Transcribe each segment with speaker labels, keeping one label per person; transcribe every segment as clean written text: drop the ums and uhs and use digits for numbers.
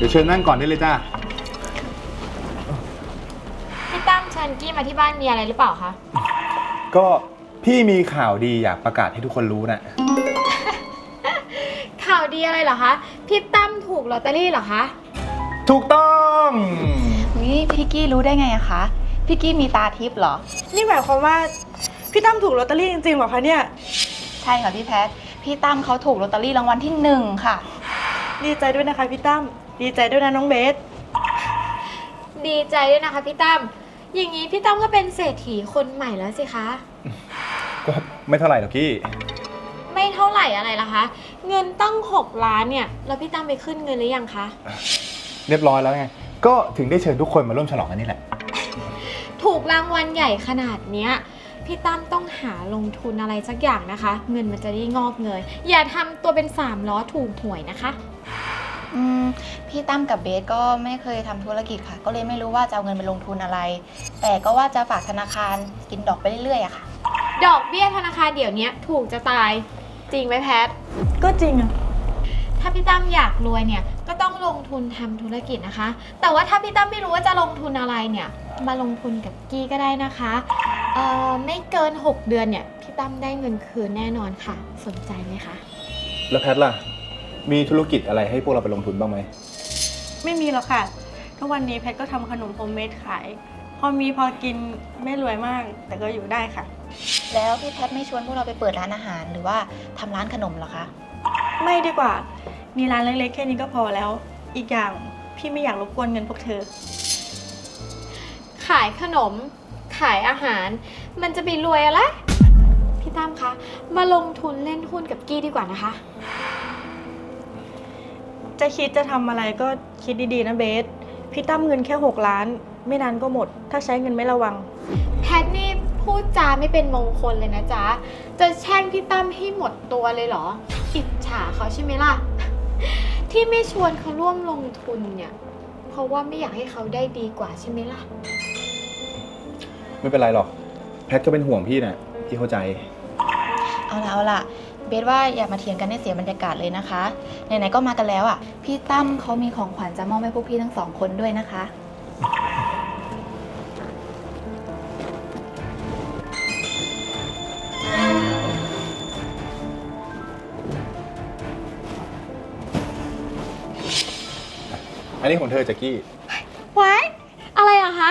Speaker 1: ดี๋ยวเชิญนั่งก่อนได้เลยจ้า
Speaker 2: พี่ตั้มเชิญกี้มาที่บ้านมีอะไรหรือเปล่าคะ
Speaker 1: ก็พี่มีข่าวดีอยากประกาศให้ทุกคนรู้นะ
Speaker 2: ข่าวดีอะไรเหรอคะพี่ตั้มถูกลอตเตอรี่เหรอคะ
Speaker 1: ถูกต้อง
Speaker 3: นี่พี่กี้รู้ได้ไงอะคะพี่กี้มีตาทิพย์เหรอ
Speaker 4: นี่หมายความว่าพี่ตั้มถูกลอตเตอรี่จริงๆเหรอคะเนี่ย
Speaker 3: ใช่ค่ะพี่แพทพี่ตั้มเขาถูกลอตเตอรี่รางวัลที่1ค่ะ
Speaker 4: ดีใจด้วยนะคะพี่ตั้มดีใจด้วยนะน้องเบส
Speaker 2: ดีใจด้วยนะคะพี่ตั้มอย่างนี้พี่ตั้มก็เป็นเศรษฐีคนใหม่แล้วสิคะ
Speaker 1: ก็ไม่เท่าไหร่หรอกพี่
Speaker 2: ไม่เท่าไหร่อะไรล่ะคะเงินตั้ง6 ล้านเนี่ยแล้วพี่ตั้มไปขึ้นเงินหรือยังคะ
Speaker 1: เรียบร้อยแล้วไงก็ถึงได้เชิญทุกคนมาร่วมฉลองกันนี่แหละ
Speaker 2: ถูกรางวัลใหญ่ขนาดเนี้ยพี่ตั้มต้องหาลงทุนอะไรสักอย่างนะคะเงินมันจะได้งอกเงยอย่าทำตัวเป็น3 ล้อถูกหวยนะคะ
Speaker 3: พี่ตั้มกับเบสก็ไม่เคยทำธุรกิจค่ะก็เลยไม่รู้ว่าจะเอาเงินไปลงทุนอะไรแต่ก็ว่าจะฝากธนาคารกินดอกไปเรื่อยๆอะค่ะ
Speaker 2: ดอกเบี้ยธนาคารเดี๋ยวนี้ถูกจะตายจริงไหมแพท
Speaker 4: ก็จริงอะ
Speaker 2: ถ้าพี่ตั้มอยากรวยเนี่ยก็ต้องลงทุนทำธุรกิจนะคะแต่ว่าถ้าพี่ตั้มไม่รู้ว่าจะลงทุนอะไรเนี่ยมาลงทุนกับกี้ก็ได้นะคะไม่เกิน6 เดือนเนี่ยพี่ตั้มได้เงินคืนแน่นอนค่ะสนใจไหมคะ
Speaker 1: แล้วแพทล่ะมีธุรกิจอะไรให้พวกเราไปลงทุนบ้างไหม
Speaker 4: ไม่มีหรอกค่ะทุกวันนี้แพทก็ทำขนมโฮมเมดขายพอมีพอกินไม่รวยมากแต่ก็อยู่ได้ค่ะ
Speaker 3: แล้วพี่แพทไม่ชวนพวกเราไปเปิดร้านอาหารหรือว่าทำร้านขนมหรอคะ
Speaker 4: ไม่ดีกว่ามีร้านเล็กๆแค่นี้ก็พอแล้วอีกอย่างพี่ไม่อยากรบกวนเงินพวกเธอ
Speaker 2: ขายขนมขายอาหารมันจะไปรวยอะไรพี่ตั้มคะมาลงทุนเล่นหุ้นกับกี้ดีกว่านะคะ
Speaker 4: จะคิดจะทำอะไรก็คิดดีๆนะเบสพี่ตั้มเงินแค่6 ล้านไม่นานก็หมดถ้าใช้เงินไม่ระวัง
Speaker 2: แพทนี่พูดจาไม่เป็นมงคลเลยนะจ๊ะจะแช่งพี่ตั้มให้หมดตัวเลยเหรออิจฉาเขาใช่ไหมล่ะที่ไม่ชวนเขาร่วมลงทุนเนี่ยเพราะว่าไม่อยากให้เขาได้ดีกว่าใช่ไหมล่ะ
Speaker 1: ไม่เป็นไรหรอกแพทก็เป็นห่วงพี่นะพี่เข้าใจ
Speaker 3: เอาล่ะเบสว่าอย่ามาเถียงกันให้เสียบรรยากาศเลยนะคะไหนๆก็มากันแล้วอ่ะพี่ตั้มเขามีของขวัญจะมอบให้พวกพี่ทั้ง2 คนด้วยนะคะ
Speaker 1: อันนี้ของเธอแจ็คกี้
Speaker 2: ไว้อะไรอะคะ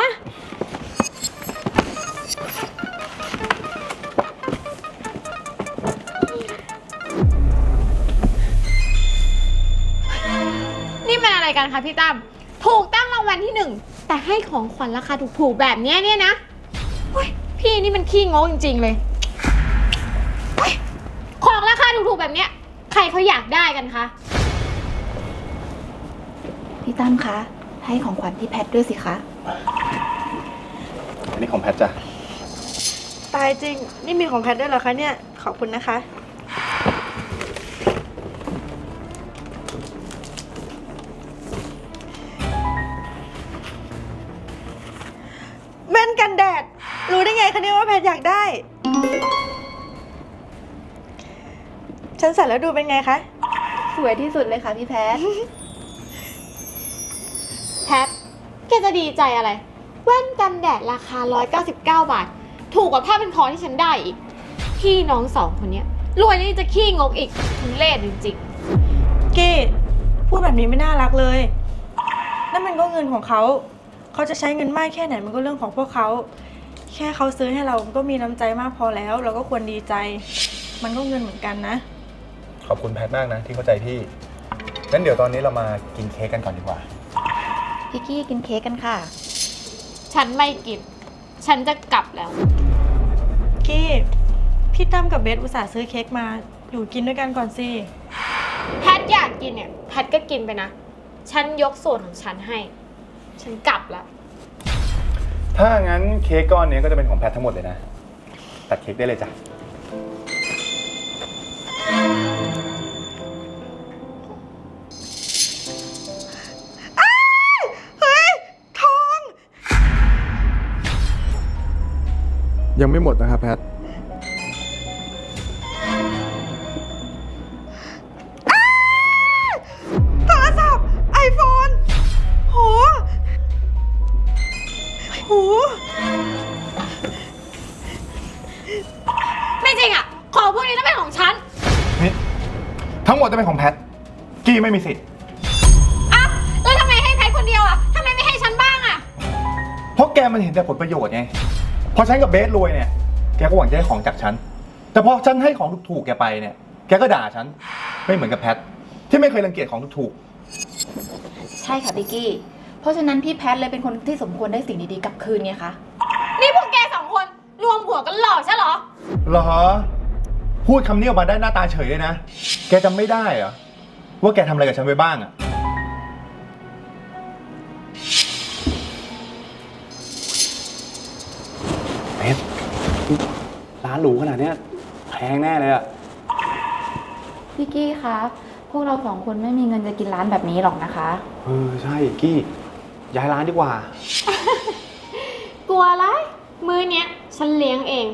Speaker 2: นี่มันอะไรกันคะพี่ตั้มถูกตั้งรางวัลที่1แต่ให้ของขวัญราคาถูกๆแบบนี้เนี่ยนะพี่นี่มันขี้งกจริงๆเลยของราคาถูกๆแบบนี้ใครเขาอยากได้กันคะ
Speaker 3: พี่ตั้มคะให้ของขวัญพี่แพทด้วยสิคะ
Speaker 1: อันนี้ของแพทจ้ะ
Speaker 4: ตายจริงนี่มีของแพทด้วยเหรอคะเนี่ยขอบคุณนะคะแว่นกันแดดรู้ได้ไงคะเนี่ยว่าแพทอยากได้ฉันใส่แล้วดูเป็นไงคะ
Speaker 3: สวยที่สุดเลยค่ะพี่แพท
Speaker 2: แพทแกจะดีใจอะไรแว่นกันแดดราคา199 บาทถูกกว่าผ้าพันคอที่ฉันได้อีกพี่น้อง2 คนนี้รวยแล้วจะขี้งกอีกทุเรศจริง
Speaker 4: ๆกี้พูดแบบนี้ไม่น่ารักเลยนั่นมันก็เงินของเขาจะใช้เงินมากแค่ไหนมันก็เรื่องของพวกเขาแค่เขาซื้อให้เราก็มีน้ำใจมากพอแล้วเราก็ควรดีใจมันก็เงินเหมือนกันนะ
Speaker 1: ขอบคุณแพทมากนะที่เข้าใจพี่งั้นเดี๋ยวตอนนี้เรามากินเค้กกันก่อนดีกว่า
Speaker 3: พี่กี้กินเค้กกันค่ะ
Speaker 2: ฉันไม่กินฉันจะกลับแล้ว
Speaker 4: กี้พี่ตั้มกับเบสอุตส่าห์ซื้อเค้กมาอยู่กินด้วยกันก่อนสิ
Speaker 2: แพทอยากกินเนี่ยแพทก็กินไปนะฉันยกส่วนของฉันให้ฉันกลับแล้ว
Speaker 1: ถ้างั้นเค้กก้อนนี้ก็จะเป็นของแพททั้งหมดเลยนะตัดเค้กได้เลยจ้ะยังไม่หมดนะครับแพท
Speaker 4: โทรศัพท์ iPhone
Speaker 1: ทั้งหมดจะเป็นของแพท กี้ไม่มีสิทธิ์
Speaker 2: อ่ะแล้วทำไมให้แพทคนเดียวอ่ะทำไมไม่ให้ฉันบ้างอ่ะ
Speaker 1: เพราะแกมันเห็นแต่ผลประโยชน์ไง พอฉันกับเบสรวยเนี่ย แกก็หวังจะได้ของจากฉัน แต่พอฉันให้ของถูกๆแกไปเนี่ย แกก็ด่าฉัน ไม่เหมือนกับแพท ที่ไม่เคยรังเกียจของถูก
Speaker 3: ใช่ค่ะพี่กี้ เพราะฉะนั้นพี่แพทเลยเป็นคนที่สมควรได้สิ่งดีๆกลับคืนไงคะ
Speaker 2: นี่พวกแกสองคนรวมหัวกันหลอกใช่เหรอ
Speaker 1: ๆเหรอ พูดคำนี้ออกมาได้หน้าตาเฉยเลยนะ แกจำไม่ได้เหรอ ว่าแกทำอะไรกับฉันไว้บ้างอะ
Speaker 5: เบสร้านหรูขนาดเนี้ยแพงแน่เลยอะ
Speaker 3: พี่กี้คะ พวกเราสองคนไม่มีเงินจะกินร้านแบบนี้หรอกนะคะ
Speaker 5: ใช่กี้ย้ายร้านดีกว่า
Speaker 2: กลัวอะไรมือเนี้ยฉันเลี้ยงเอง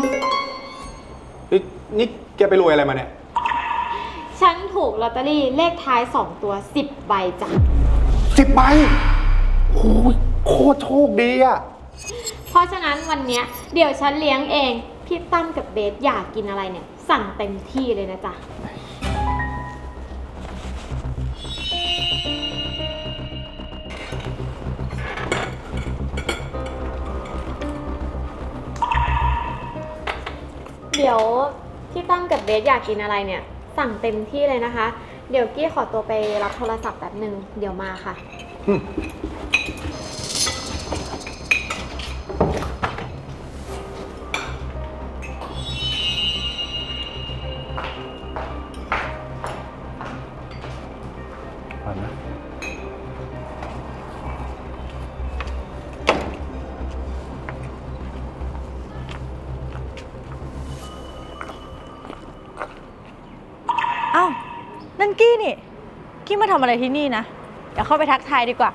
Speaker 5: นี่แกไปรวยอะไรมาเนี่ย
Speaker 2: ฉันถูกลอตเตอรี่เลขท้าย 2 ตัว 10 ใบจ้ะ
Speaker 5: 10 ใบโอ้ยโคตรโชคดีอะ
Speaker 2: เพราะฉะนั้นวันเนี้ยเดี๋ยวฉันเลี้ยงเอง พี่ตั้มกับเบสอยากกินอะไรเนี่ย สั่งเต็มที่เลยนะจ๊ะ เดี๋ยวพี่ตั้มกับเบสอยากกินอะไรเนี่ย สั่งเต็มที่เลยนะคะ เดี๋ยวกี้ขอตัวไปรับโทรศัพท์แป๊บหนึ่งเดี๋ยวมาค่ะ
Speaker 4: เอ้า นั่นกี้นี่ กี้มาทำอะไรที่นี่นะ เดี๋ยวเข้าไปทักทายดีกว่า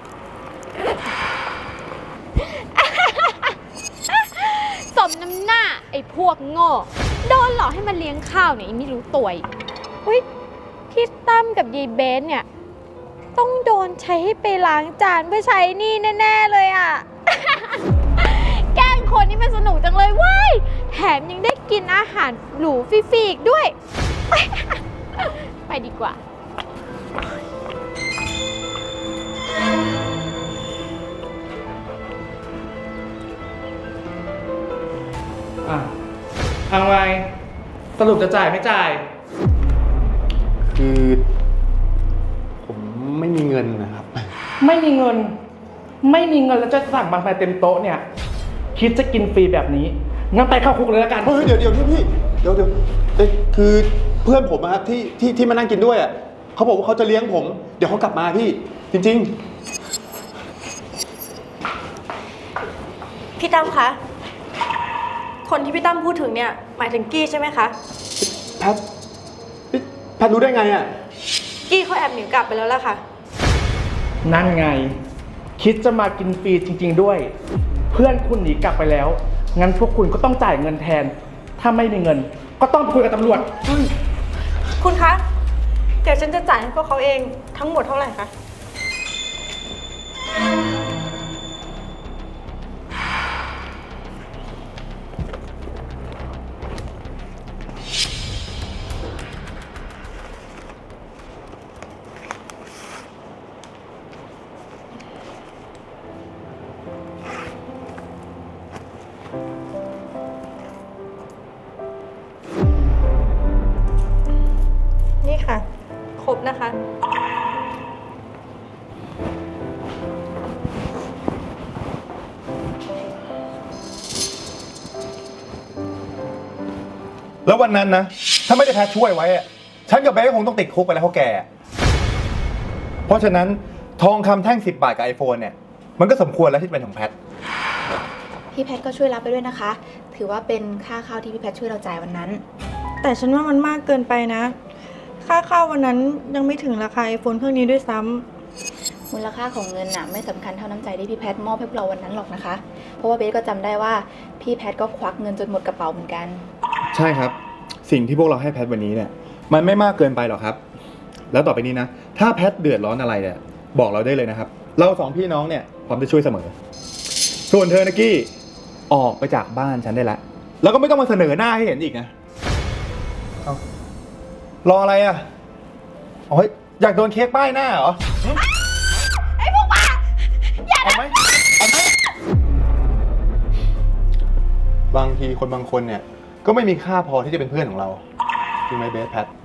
Speaker 2: สมน้ำหน้าไอ้พวกโง่ โดนหลอกให้มาเลี้ยงข้าวเนี่ยยังไม่รู้ตัวอีกเฮ้ยพี่ตั้มกับยายเบสเนี่ย ต้องโดนใช้ให้ไปล้างจานเพื่อใช้หนี่แน่ ๆ เลยอ่ะ แกล้งคนนี่มันสนุกจังเลยเว้ยแถมยังได้กินอาหารหรูฟรีๆอีกด้วย ไปดีกว่า
Speaker 6: เอาไงสรุปจะจ่ายไม่จ่าย
Speaker 5: คือผมไม่มีเงินนะครับ
Speaker 6: ไม่มีเงิน ไม่มีเงินแล้วจะสั่งบางไฟเต็มโต๊ะเนี่ย คิดจะกินฟรีแบบนี้ งั้นไปเข้าคุกเลยละกัน
Speaker 5: เฮ้ยเดี๋ยวพี่เดี๋ยวคือเพื่อนผมอะครับที่มานั่งกินด้วยอะเขาบอกว่าเขาจะเลี้ยงผม เดี๋ยวเขากลับมาพี่ จริง
Speaker 4: พี่ตั้มคะ คนที่พี่ตั้มพูดถึงเนี่ย หมายถึงกี้ใช่ไหมคะ
Speaker 5: ๆ แพทรู้ได้ไงอะ
Speaker 4: กี้เขาแอบหนีกลับไปแล้วล่ะค่ะ
Speaker 6: นั่นไง คิดจะมากินฟรีจริง ๆ ด้วย เพื่อนคุณหนีกลับไปแล้ว งั้นพวกคุณก็ต้องจ่ายเงินแทน ถ้าไม่มีเงิน ก็ต้องไปคุยกับตำรวจ
Speaker 4: คุณคะ เดี๋ยวฉันจะจ่ายให้พวกเขาเองทั้งหมดเท่าไหร่คะ นี่ค่ะ ครบนะคะ
Speaker 1: แล้ววันนั้นนะ ถ้าไม่ได้แพทช่วยไว้อะฉันกับเบสคงต้องติดคุกไปแล้วเพราะแก เพราะฉะนั้นทองคำแท่ง10 บาทกับ iPhone เนี่ย มันก็สมควรแล้วที่จะเป็นของแพท
Speaker 3: พี่แพทก็ช่วยรับไปด้วยนะคะ ถือว่าเป็นค่าข้าวที่พี่แพทช่วยเราจ่ายวันนั้น
Speaker 4: แต่ฉันว่ามันมากเกินไปนะ ค่าข้าววันนั้นยังไม่ถึงราคา iPhone เครื่องนี้ด้วยซ้ำ
Speaker 3: มูลค่าของเงินน่ะไม่สำคัญเท่าน้ำใจที่พี่แพทมอบให้พวกเราวันนั้นหรอกนะคะ เพราะว่าเบสก็จำได้ว่าพี่แพทก็ควักเงินจนหมดกระเป๋าเหมือนกัน
Speaker 1: ใช่ครับ สิ่งที่พวกเราให้แพทวันนี้เนี่ย มันไม่มากเกินไปหรอกครับ แล้วต่อไปนี้นะ ถ้าแพทเดือดร้อนอะไรเนี่ยบอกเราได้เลยนะครับ เราสองพี่น้องเนี่ยพร้อมจะช่วยเสมอ ส่วนเธอนะกี้ออกไปจากบ้านฉันได้แล้ว แล้วก็ไม่ต้องมาเสนอหน้าให้เห็นอีกนะเอารออะไรอ่ะ ไปโอ้ยอยากโดนเค้กป้ายหน้าเหรอ
Speaker 2: ไอ้พวกบ้า
Speaker 1: เอาไหมเอาไหมบางทีคนบางคนเนี่ย ก็ไม่มีค่าพอที่จะเป็นเพื่อนของเรา จริงไหมเบสแพท